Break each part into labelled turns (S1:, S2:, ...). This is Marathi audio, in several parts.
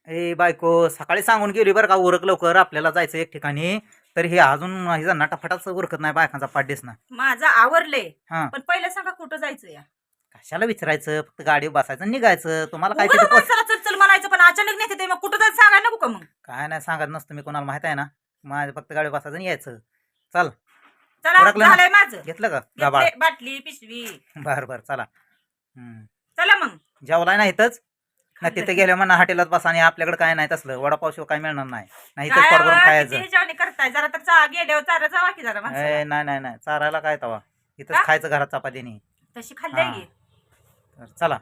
S1: ए बायको सकाळी सांगून गेली बरं का उरक लवकर आपल्याला जायचं एक ठिकाणी. तर हे अजून हिचा नटाफटाच उरकत नाही बायकांचा पाड्डेस ना.
S2: माझं आवरले
S1: हा
S2: पण पहिलं सांगा कुठं जायचं या
S1: कशाला विचारायचं फक्त गाडीवर बसायचं आणि निघायचं. तुम्हाला काय
S2: उगाच
S1: तिथं
S2: माणसाला चल चल म्हणायचं पण अचानक नाही ते मग कुठं जायचं सांगायला नको का मग
S1: काय नाही सांगत नसतं मी कोणाला माहित आहे ना. माझं फक्त गाडीवर बसायचं आणि यायचं. चल
S2: चला
S1: उरकलं ना?
S2: झालंय माझं
S1: घेतलं का गाबाळ?
S2: घेतले, बाटली पिशवी
S1: बर बर चला.
S2: चला मग
S1: जेवलाय ना इथंच ना तिथे गेल्या म्हणा हॉटेलात बसा आणि आपल्याकडे काय नाही तसलं वडापाव शिवाय काय मिळणार नाही. नाही इथंच पोट भरून खायचं.
S2: जेवणी करताय जरा तर गेल्यावर चारा जावा की जरा माणसाला.
S1: ए, नाही नाही नाही चारायला काय तवा इथंच
S2: का?
S1: खायचं घरात चपातीने.
S2: तशी खाल्ली
S1: हा.
S2: की
S1: तर चला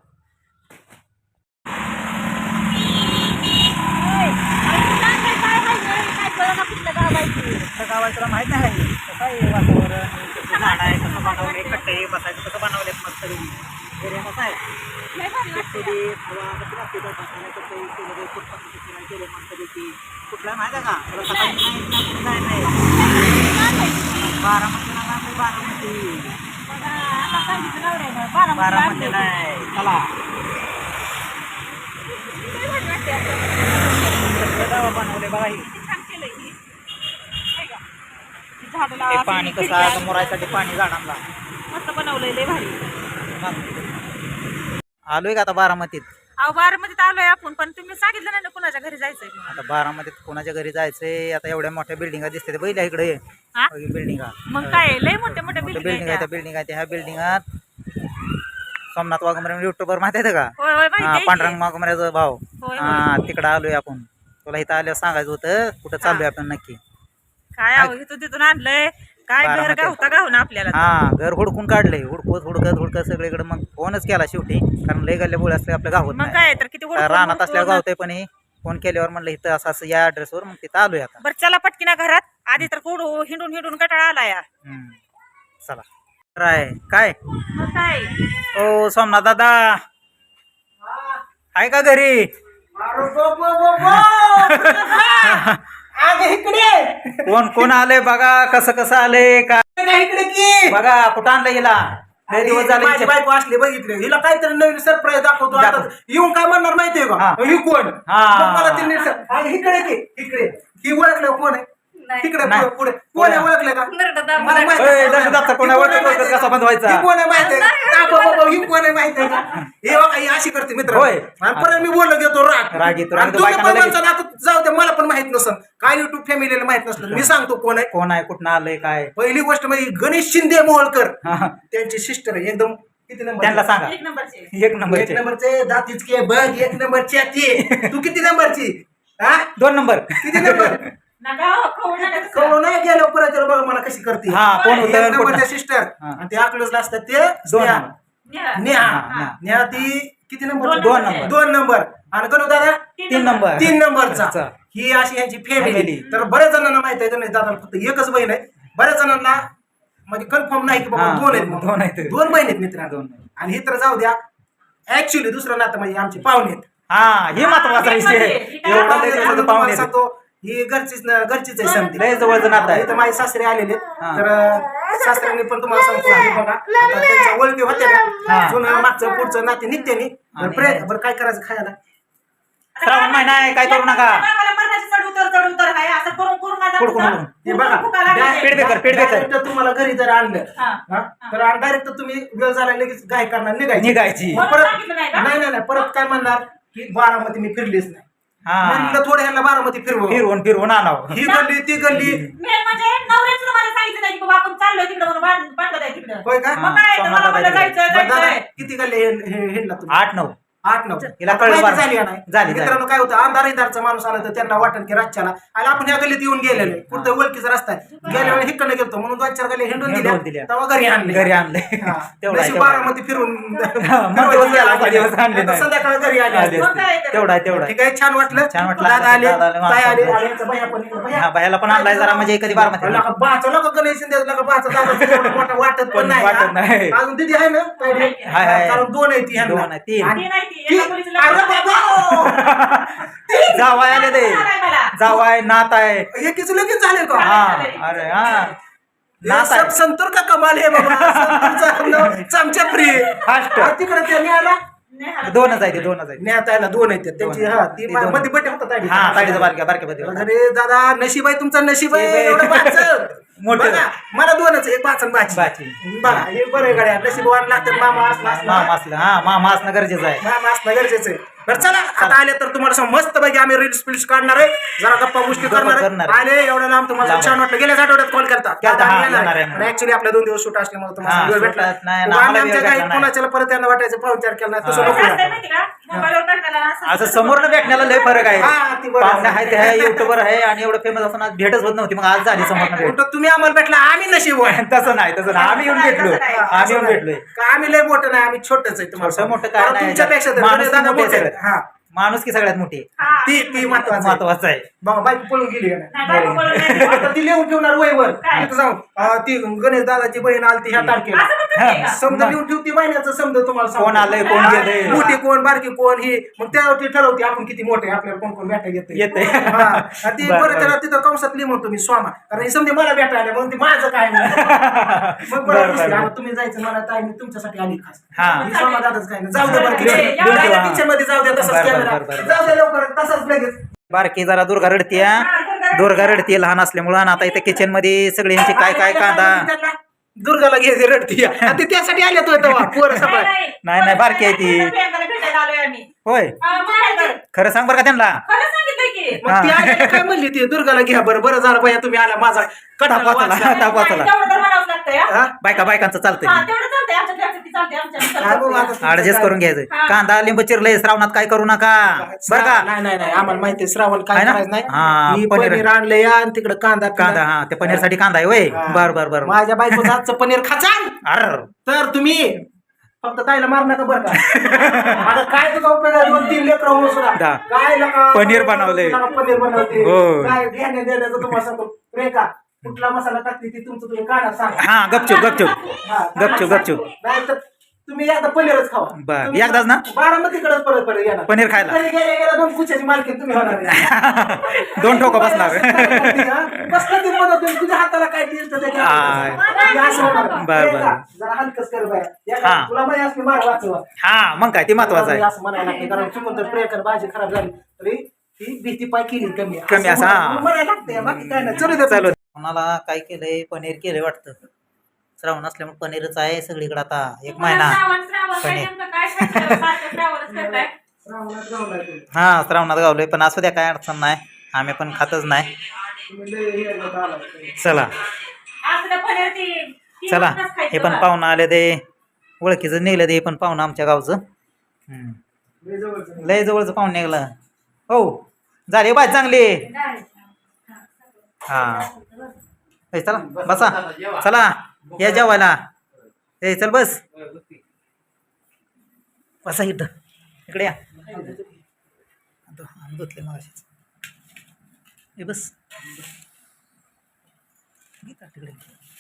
S1: कुठलं गाव आहे तुला माहित नाही. कसं आहे वातावरण कसं झाड आहे कसं बनवले कट्टे बसायचं कसं बनवलेत मस्त एरिया कसा आहे. हवा कशी लागते त्या बसायला कसं केलं फुटपाथ केलं मस्तपैकी. कुठला माहिती आहे का तुला सकाळी नाही बारामतीला नाही बारामती नाही. चला गाव बनवले बघा ही. ते पाणी कसं आहे मोरायसाठी पाणी झाडांना
S2: मस्त बनवलंय लय भारी.
S1: आलोय का आता बारामतीत.
S2: अहो बारामतीत आलोय आपण पण तुम्ही सांगितलं नाही ना कुणाच्या घरी जायचंय म्हणून.
S1: आता बारामतीत कोणाच्या घरी जायचंय. आता एवढ्या मोठ्या बिल्डिंगा दिसते पहिल्या इकडे
S2: हा?
S1: बिल्डिंगा
S2: मग काय लय मोठ्या मोठ्या
S1: बिल्डिंग
S2: बिल्डिंग
S1: आहे त्या बिल्डिंग आहे ह्या बिल्डिंगात सोमनाथ वाघमरे युट्यूबर माहिती आहे का.
S2: होय होय माहिती
S1: हा
S2: आहे की.
S1: पांडुरंग वाघमऱ्याचा भाऊ.
S2: होय,
S1: हा तिकडं आलोय आपण. तुला इथं आल्यावर सांगायचं होतं कुठं चाललोय आपण नक्की.
S2: काय अहो इथून तिथून आणलंय काय घर
S1: बारामतीत.
S2: गावता गावना आपल्याला
S1: हा घर हुडकून काढलंय हुडकत सगळीकडे. मग फोनच केला शेवटी कारण लय गल्ल्या असले आपल्या गावात
S2: मग
S1: नाही.
S2: काय तर किती हुडकून-
S1: रानात असल्यावर
S2: हुडकून-
S1: गावतंय पण हे फोन केल्यावर म्हणलं इथं असं असं या ऍड्रेसवर मग तिथं आलोय आता.
S2: बरं चला पटकीना घरात आधी तर हुडू हिंडून हिंडून कटाळा आला या
S1: चला काय काय
S2: मग काय
S1: ओ सोमनाथ दादा आहे का घरी.
S3: इकडे
S1: कोण कोण आलंय बघा कसं कसं आलंय का
S3: इकडे की
S1: बघा कुठं आणलं हिला. लय दिवस झाले
S3: माझी बायको असले बघितले हिला काहीतरी नवीन सरप्राईज दाखवतो आता.
S1: दाखव.
S3: येऊन काय म्हणणार माहितीये का
S1: हा.
S3: ही कोण
S1: हा.
S3: मग मला ती नीट सांग. आणि इकडे की इकडे ही ओळखलं कोण आहे तिकडे
S1: नाही.
S3: पुढे कोण आहे ओळखलं का मला माहिती आहे.
S1: कोण
S3: ही कोण आहे
S1: ओळखत
S3: माहिती आहे
S1: कसा
S3: का?
S1: बनवायचा.
S3: ही कोण आहे माहिती आहे का? बाबा, ही कोण आहे माहिती आहे का हे बघा, ही अशी करते मित्र
S1: होय.
S3: आणि परत मी बोललो घेतो
S1: राग येतो.
S3: आणि तुम्ही
S1: बायकांना
S3: पण
S1: लगेच-
S3: म्हणता आता जाऊ दे मला पण माहित नसन काय युट्यूब फॅमिलीला माहित नसलं मी सांगतो कोण आहे.
S1: कोण आहे कुठं आलंय काय.
S3: पहिली गोष्ट म्हणजे गणेश शिंदे मोहोळकर
S1: हा.
S3: त्यांची सिस्टर आहे एकदम किती नंबर
S1: त्यांना सांगा
S2: एक नंबरचे
S1: एक
S3: एक
S1: नंबरचे
S3: नंबरचे दातीच के बघ एक नंबरची आहे. तू किती नंबरची हा
S1: 2 नंबर.
S3: किती नंबर
S2: नका हो, खाऊ नका तसं.
S3: कळू नाही गेलो परत बघा मला कशी करते
S1: हा कोण
S3: एक
S1: होतं
S3: नंबरच्या
S1: कोण
S3: सिस्टर
S1: हा.
S3: आणि ते अकलूजला असतात ते
S1: 2
S3: स्नेहा.
S1: नंबर.
S2: न्या.
S3: नेहा
S1: हा.
S3: नेहा ती किती नंबर
S1: 2 नंबर.
S3: 2 नंबर आणि करू दादा
S1: 3 नंबर
S3: 3 नंबरचा
S1: अच्छा.
S3: ही अशी यांची फॅमिली
S1: Family.
S3: तर बऱ्याच जणांना माहित आहे गणेश दादा फक्त एकच बहीण आहे. बऱ्याच जणांना म्हणजे कन्फर्म नाही की बाबा
S1: हा,
S3: 2 आहेत म्हणून.
S1: 2 आहेत.
S3: 2 बहीण आहेत मित्रांनो.
S1: 2 आहेत.
S3: आणि हे तर जाऊ द्या ऍक्च्युली दुसरं नातं म्हणजे आमचे पाहुणे आहेत.
S1: हा हे महत्वाचा विषय आहे. एवढं लय
S3: पाहुणे
S1: दिवसाचं
S3: तुम्हाला
S1: पाहुणे आहेत.
S3: सांगतो ही घरचीच आहे समधी.
S1: लय जवळचं नातं आहे.
S3: इथं माझे सासरे आलेले
S1: हा.
S3: तर सासऱ्यांनी पण तुम्हाला सांगतो हे बघा आता त्यांच्या ओळखी होत्या
S1: हा.
S3: का जुनं मागचं पुढचं नाते नित्याने
S1: आणि-
S3: बरं काय करायचं खायला
S1: श्रावण महिना आहे काय करू नका.
S2: मला मरणाची चढ उतर आहे असं करून करून माझा
S1: कुडकुड
S2: फुका-
S1: करून.
S3: हे बघा
S2: फुका लागला आहे.
S1: पेडबेकर
S3: डायरेक्ट तुम्हाला घरी जर आणलं
S2: हा.
S3: हा, तर डायरेक्ट तुम्ही वेळ झाला लगेच गाय करणार निघायची
S1: निघायची.
S3: मग परत
S2: सांगितलं नाही का?
S3: नाही परत काय म्हणणार की बारामती मी फिरलीच नाही
S1: हा
S3: म्हणलं थोडं ह्याला बारामती फिरवू
S1: फिरवून आणावं.
S3: ही गल्ली ती गल्ली
S2: मेन म्हणजे नवऱ्याचं तुम्हाला सांगितलं नाही की बाबा आपण चाललोय तिकडं म्हणून बांधलं आहे तिकडं
S3: होय का
S2: मग काय तर मला म्हणलं जायचं
S3: बरं दादा,
S2: जायचंय
S3: किती गल्ली हिंडला तुम्ही
S1: 8-9
S3: 8-9
S1: हिला कळलं
S3: माहिती
S1: बरं.
S3: झाली का नाही
S1: झाली.
S3: मित्रांनो काय होतं अंधारीदारचा माणूस आला तर त्यांना वाटण की रातच्याला आणि आपण ह्या गल्लीत येऊन गेलेलो कुठं ओळखीचा रस्ता आहे गेल्या वेळी हिकडनं गेलतो म्हणून 2-4 गल्ली हिंडून
S1: हिंडून
S3: दिल्या
S1: दिल्या.
S3: तेव्हा घरी आणले
S1: घरी आणले.
S3: हा.
S1: तेवढा आहे,
S3: नशीब
S1: तेवढा आहे.
S3: बारामती फिरून
S1: मग दिवस गेला, मग दिवस आणले नाही.
S3: संध्याकाळी घरी आले
S1: आले
S3: असते.
S2: मग काय तर.
S1: तेवढा आहे, तेवढा आहे.
S3: ठीक आहे छान वाटलं
S1: छान वाटलं.
S3: दादा आले
S1: दादा आले,
S3: ताई आले
S1: मामा.
S3: आणि यांचा भैया पण इकडे. भैया.
S1: हा बायाला पण आणलाय जरा म्हणजे कधी बारामती.
S3: लका बाचा लका गणेश शिंदे लका बाचा दादा एवढं मोठं वाटत पण नाही
S1: वाटत
S3: हा.
S1: नाही.
S3: अजून दिदी आहे ना ताई?
S1: हाय, हाय.
S3: कारण 2 आहे ती ह्यांना.
S1: 2 आहे, 3.
S3: आणि
S2: ती नाही ती
S3: ती-
S2: एका मुलीचं
S3: अरे
S2: लग्न
S3: बाबा!
S1: जावाय आले ते
S2: झालंय मला.
S1: जावाय नात आहे.
S3: एकीच लगेच झाले का
S1: हा अरे हा
S3: हे
S1: नात
S3: सब
S1: आहे.
S3: संतूर का कमाल आहे बाबा संतूरचा चमचा फ्री
S1: फास्ट.
S3: तिकडे त्यांनी आला
S2: नेहाला
S1: दोनच आहे ते दोनच आहे
S3: नेतायला 2 आहेत त्यांची. हा ती
S1: ती दोन.
S3: मध्ये बड्डे होतात आधी.
S1: हा ताडीचं बारक्या बारक्या मध्ये
S3: अरे दादा नशीब आहे तुमचं, नशीब आहे एवढं बाचं.
S1: मोठं.
S3: बघा, मला 2च, एक बाच आणि बाची.
S1: बाची.
S3: बघा हे बरं आहे गाड्या, नशीबवान लागतात. मामा
S1: मामा असलं हा मामा असणं गरजेचं आहे.
S3: मामा असणं गरजेचं आहे. बरं चला आता आले तर तुम्हाला सांगू, मस्त पैकी आम्ही रील्स पिल्स काढणार आहे, जरा गप्पा गोष्टी करणार
S1: करणार
S3: आहे.
S1: आहे.
S3: आले एवढं लांब तुम्हाला
S1: लांब.
S3: छान वाटलं. गेल्याच आठवड्यात कॉल करतात
S1: केलता, हा, येणार आहे म्हणून.
S3: ऍक्च्युली आपल्या 2 दिवस शूट असल्यामुळे तुम्हाला
S1: हा,
S3: वेळ भेटला
S1: शूटात नाही,
S3: उगा
S1: आम्हाला
S3: आम्ही
S1: वेळ
S3: आमच्या काही
S1: भेटला नाही.
S3: कोणाच्याला परत त्यांना वाटायचं पाहुणचार केला नाही, तसं
S1: हा.
S3: नको
S2: असं असतंय
S3: ना.
S2: माहिती का? मोबाईलवर टाकलेला
S1: असं समोरनं भेटण्याला लय फरक आहे.
S3: हा, ती बरोबर.
S1: पाहुणे आहे ते आहे, युट्यूबर आहे आणि एवढं फेमस असताना भेटच होत नव्हती, मग आज झाली समोरनं भेट.
S3: उलटं तुम्ही आम्हाला भेटला, आम्ही नशीब आहे.
S1: तसं नाही तसं नाही, आम्ही येऊन भेटलो. आम्ही येऊन भेटलोय.
S3: का आम्ही लय मोठं नाही, आम्ही छोटच आहे तुम्हाला
S1: छोटं मोठं काय
S3: कारण
S1: नाही,
S3: तुमच्यापेक्षा तर
S1: माणूस
S3: दादा
S1: मोठे
S3: मोठे आहेत.
S1: सगळ्यात.
S3: हा
S1: माणूस की सगळ्यात मोठी
S2: हा.
S3: ती महत्वाचं
S1: आहे.
S3: बाबा बाईक पळून गेली का नाही?
S2: नाही, बायको बोलत नाही.
S3: आता ती लिहून ठेवणार वयवर
S2: काय?
S3: तिथं जाऊन ती गणेश दादाची बहीण आलती ह्या तारखेला,
S2: असं म्हणतात ते का?
S3: समजा लिहून ठेवती महिन्याचं, समजा तुम्हाला सांगतो.
S1: कोण आलंय, कोण गेलंय.
S3: मोठी कोण बारकी कोण ही, मग त्यावरती ठरवते आपण किती मोठे आहे, आपल्याला कोण कोण भेटा
S1: येतंय.
S3: ती
S1: बरं,
S3: परत
S1: बरं.
S3: त्याला तिथं कंसात लिहि म्हणतो मी स्वामा, कारण हे समजे मला भेटा आले म्हणून ती माझं काय नाही. मग
S1: बरं,
S3: बरं
S1: बरं.
S3: आता तुम्ही जायचं, मला ताई मी तुमच्यासाठी आली खास.
S1: हा.
S3: मी स्वामा दादाच काय नाही. जाऊ दे बरं
S2: देऊन ठेवा.
S3: किचन मध्ये जाऊ द्या, तसंच
S1: बरं, बरं,
S3: कॅमेरा
S1: बरं, बरं.
S3: जाऊ दे लवकर, तसंच लगेच.
S1: बारकी जरा दुर्गा रडतीया, दुर्गा रडतीये लहान असल्यामुळं. आणि आता इथे किचन मध्ये सगळे यांचे काय काय कांदा.
S3: दुर्गाला घ्यायची रडती आणि ते त्यासाठी आले तो तेव्हा पोरं सगळं.
S1: नाही बारकी आहे ती.
S2: प्रियंकाला भेटायला आलोय आम्ही.
S1: होय
S2: हा, मग काय तर?
S1: खरं सांग बरं का त्यांना.
S2: खरं सांगितलंय की.
S3: मग ती आलेली काय म्हणली ती दुर्गाला घ्या बरं, बरं झालं बाया तुम्ही आला, माझा कटाला
S1: ताप वाचला.
S3: वाचला.
S1: ताप वाचला.
S2: तेवढं तर म्हणावंच लागतंय, हा.
S3: हा?
S1: बायकांचं
S2: हा,
S1: चालतंय.
S2: तेवढं चालतंय. आमच्या घरचं ती चालतंय,
S3: हा, बघू आता
S2: आमच्या
S3: तुमचं
S1: ऍडजस्ट
S3: काय.
S1: करून घ्यायचं.
S2: हा.
S1: कांदा लिंबू चिरलंय श्रावणात काय करू नका बरं का.
S3: नाही आम्हाला माहिती आहे श्रावण काय
S1: आहे ना?
S3: करायचं
S1: हा,
S3: नाही.
S1: पनीर.
S3: पनीर आणलं या आणि तिकडे कांदा
S1: कांदा हा ते पनीर साठी कांदा आहे वय. बर बर
S3: माझ्या बायकोचं हातचं पनीर खाचाल
S1: अर
S3: तर तुम्ही फक्त ताईला मार नका बरं का. आता काय तुझा उपयोग आहे, 2-3 लेकरं होऊन सुद्धा
S1: दा.
S3: काय नका
S1: पनीर बनवलंय.
S3: पनीर बनवते
S1: हो.
S3: काय घेण्या देण्याचं तुम्हाला सांगतो. रेखा कुठला मसाला टाकते ती तुमचं तुम्ही काढा सांग.
S1: हा गपचूप
S3: हा,
S1: गपचूप
S3: नाही तर तुम्ही एकदा पनीरच खावा.
S1: बर,
S3: तुम्ही
S1: एकदाच ना?
S3: बारामतीकडेच परत येणार
S1: पनीर खायला.
S3: घरी गेल्या 2 कुच्याची मालकी तुम्ही होणार आहे.
S1: 2 ठोका बसणार.
S3: कसलं ती बनवते, तुझ्या हाताला काय टेस्ट
S1: बर, बर.
S3: जरा हलकच कर बाया.
S1: हा.
S3: तुला माहिती असते मार वाचवा.
S1: हा मग काय ते महत्वाचं आहे.
S3: असं म्हणायला लागते, कारण चुकून तर प्रियकर भाजी खराब झाली तरी ती भीती पाय केली कमी
S1: कमी असं, हा.
S3: म्हणायला लागते, बाकी काय नाही. चलू दे
S1: चालू कोणाला काय केलंय पनीर केलंय वाटतं. श्रावण असल्यामुळे पनीरच आहे सगळीकडे आता 1 महिना. पनीर.
S3: श्रावणात गावला आहे तुम्ही.
S1: हा श्रावणात गावलोय पण असू द्या काय अडचण नाही, आम्ही पण खातच नाही.
S3: तुम्ही लय हे नका आलाय.
S1: चला चला हे पण पाहुणं आले ते ओळखीचं निघलं ते पण पाहुणं आमच्या गावचं.
S3: लय जवळचं.
S1: लय जवळचं पाहुणं निघलं. हो झाली बाय चांगली. हा ए, चला बसा चला या जेवायला. ए चल बस बसा इथं इकडे या. धुतले मग ए बस तिकडे.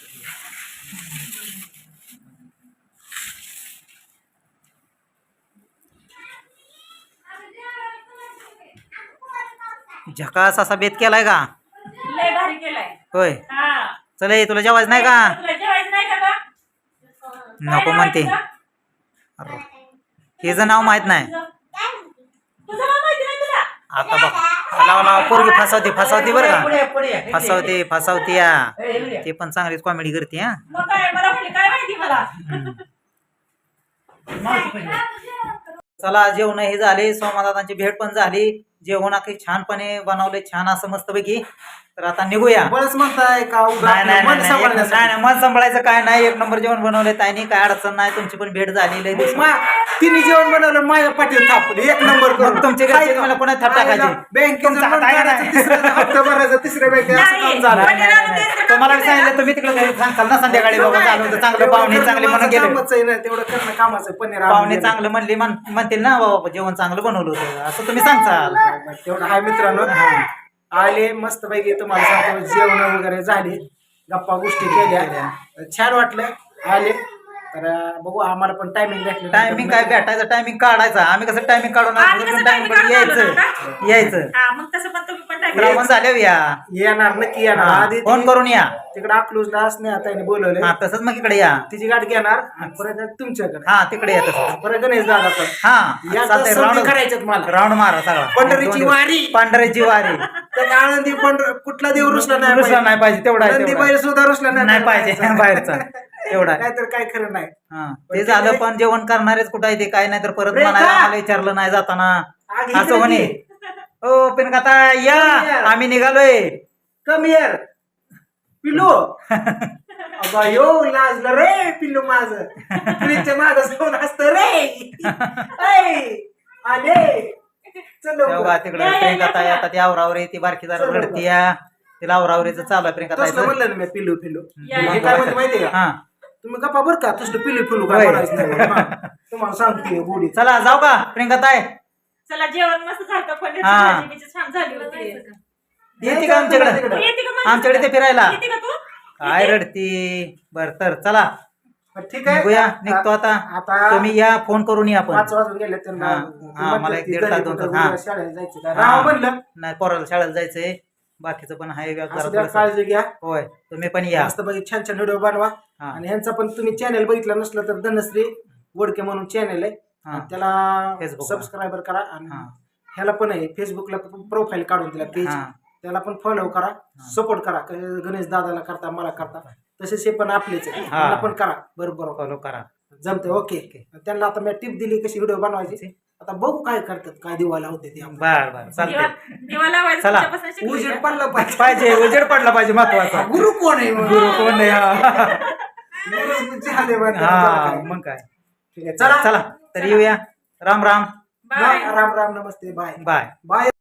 S1: झकास असा बेत केलाय का.
S2: लय भारी केलाय.
S1: होय
S2: हा.
S1: चल ए, तुला जेवायचं नाही का.
S2: तुला जेवायचं नाही का गं?
S1: नको
S2: काय
S1: म्हणते.
S2: जेवायचं?
S1: अरे, हिचं नाव माहित नाही.
S2: तुझं नाव माहिती नाही तुला?
S1: आता बघ लावा पोरगी फसावती बरं का. फसावती या ते पण चांगलीच कॉमेडी करते. हा
S2: मग काय मला म्हणली काय माहिती मला.
S1: चला जेवण हे झाले, सोमादादांची भेट पण झाली. जेवण अगदी छानपणे बनवले, छान असं मस्तपैकी. तर आता निघूया.
S3: बळच म्हणताय का उगा
S1: नाही नाही
S3: मन
S1: नाही,
S3: सांभाळण्यासाठी.
S1: नाही मन सांभाळायचं काय नाही. 1 नंबर जेवण बनवले ताईनी, काय अडचण नाही. तुमची पण भेट झाली लय दिवस.
S3: तिने जेवण बनवलं माझ्या पाठीत थापले 1 नंबर करून.
S1: मग तुमच्या घरचे मला कोणा थाप टाकायचे.
S3: बँकेचं
S1: तुमचा हात आहे का नाही?
S3: हप्ता भरायचा, तिसऱ्या बँकेत असं काम झालं.
S1: नाही, नाही, नाही, नाही. तुम्हाला बी सांगितलं तुम्ही तिकडे घरी सांगताल ना संध्याकाळी बाबा झालं होतं चांगलं, पाहुणे चांगले म्हणून गेले.
S3: कामच आहे ना, तेवढं करणं कामाचं आहे. पनीर आणून
S1: पाहुणे
S3: दिलं.
S1: चांगलं म्हणले म्हणतील ना बाबा जेवण चांगलं बनवलं होतं असं तुम्ही सांगताल.
S3: तेवढं हाय मित्रांनो. आले मस्त पैकी तुम्हाला सांगतो जेवण वगैरे झाले, गप्पा गोष्टी केल्या, छान वाटलं. आले तर बघू आम्हाला पण टायमिंग भेटलं.
S1: टायमिंग काय भेटायचं, टायमिंग काढायचं. आम्ही कसं टायमिंग काढून
S2: आम्ही कसं timing काढून आलो
S1: यायचं.
S2: ना?
S1: यायचं
S2: हा, मग तसं पण तुम्ही पण
S1: श्रावण झाल्यावर या
S3: येणार नक्की येणार
S1: हा,
S3: आधी
S1: फोन करून या
S3: तिकडे अकलूजला असणे त्याने बोलवले
S1: हा तसंच मग इकडे या
S3: तिची गाठ घेणार आणि परत तुमच्याकडे
S1: हा तिकडे या तसं
S3: परत गणेश दादा पण
S1: हा
S3: या
S1: चालतंय,
S3: संधी
S1: राऊंड
S3: करायच्यात मला
S1: राऊंड मारा सगळा
S3: पंढरीची वारी.
S1: पंढरीची वारी
S3: त्या आनंदी पण कुठला देव रुसला नाही
S1: रुसला नाही पाहिजे तेवढा आहे,
S3: नंदी
S1: तेवढा
S3: बैल सुद्धा रुसला
S1: नाही पाहिजे बाहेरचा एवढा आहे.
S3: नाहीतर काय खरं नाही
S1: हा ते झालं पण जेवण करणारेच कुठं आहे ते काय नाही तर परत
S3: रेखा!
S1: म्हणायला आम्हाला विचारलं नाही जाताना
S3: आग
S1: असं
S3: इकडे
S1: म्हणे
S3: ये.
S1: ओ पिनकाता या आम्ही निघालोय
S3: कम हिअर पिल्लू अगं यो लाजलं रे पिल्लू माझं फ्रीजच्या माग जाऊन असतं रे ऐ, आले चल लवकर.
S1: तेव्हा तिकडे प्रियंकाता आता ती आवरावरी ती बारकी जरा
S3: चल
S1: रडती या तिला आवरावरीचं चालू आहे
S3: तसलं
S1: प्रियंकाता
S3: म्हणलं ना मी पिल्लू पिल्लू
S2: या,
S3: हे काय म्हणते माहितीये का
S1: हा
S3: तुम्ही गप्पा बरं का तसलं पिल्लू पिल्लू काय
S1: होय.
S3: म्हणायचं नाही बरं. हा. तुम्हाला सांगते गोडी
S1: चला जाऊ का प्रियंकाताय
S2: चला जेवण मस्त झालं पनीरची
S1: हा.
S2: भाजी बिजी छान झाली होती
S1: येते का आमच्याकडे
S2: येते का माझ्या?
S1: आमच्याकडे ते फिरायला
S2: येते का तू
S1: काय रडती बर तर चला
S3: ठीक आहे
S1: निघूया निघतो आता
S3: आता
S1: तुम्ही या फोन करून या पण
S3: 5 वाजून गेले त्यांना
S1: हा, हा, मला एक दीड तास, दोन तास, हा.
S3: शाळेत जायचं का?
S1: हा.
S3: राव म्हणलं
S1: नाही पोराला शाळेला जायचंय बाकीचं पण आहे
S3: असं
S1: जरा
S3: द्या,
S1: थोडंसं.
S3: काळजी घ्या
S1: होय तुम्ही पण या
S3: मस्त पैकी छान छान व्हिडिओ बनवा
S1: हा.
S3: आणि ह्यांचा पण तुम्ही चॅनल बघितलं नसलं तर धनश्री वडके म्हणून चॅनल आहे
S1: हा.
S3: आणि त्याला
S1: Facebook वर.
S3: सबस्क्राईबर करा आणि
S1: हा.
S3: ह्याला पण आहे फेसबुकला प्रोफाईल काढून दिला पेज
S1: हा.
S3: त्याला पण फॉलो करा सपोर्ट करा गणेश दादाला करता मला करता तसेच हे पण आपलेच आहे
S1: हा.
S3: त्यांना पण करा बरोबर
S1: फॉलो करा
S3: जमते ओके त्यांना आता मी टिप दिली कशी व्हिडिओ बनवायची आता बघू काय करतात काय दिवाला होते ते आम्हाला.
S1: बर बर
S2: दिवा
S1: चालतंय
S2: दिवा लावायचं
S1: चला.
S2: तुमच्यापासून शिकली
S3: उजेड
S2: का?
S3: पडला पाहिजे
S1: पाहिजे उजेड पडला पाहिजे महत्वाचा
S3: गुरु कोण आहे मग?
S1: गुरु कोण नाही हा.
S3: गुरु झाले बा, त्याला
S1: हा
S3: काय.
S1: मग काय
S3: ठीक आहे चला
S1: चला तर येऊया राम राम
S2: बाय
S3: राम राम नमस्ते बाय
S1: बाय
S3: बाय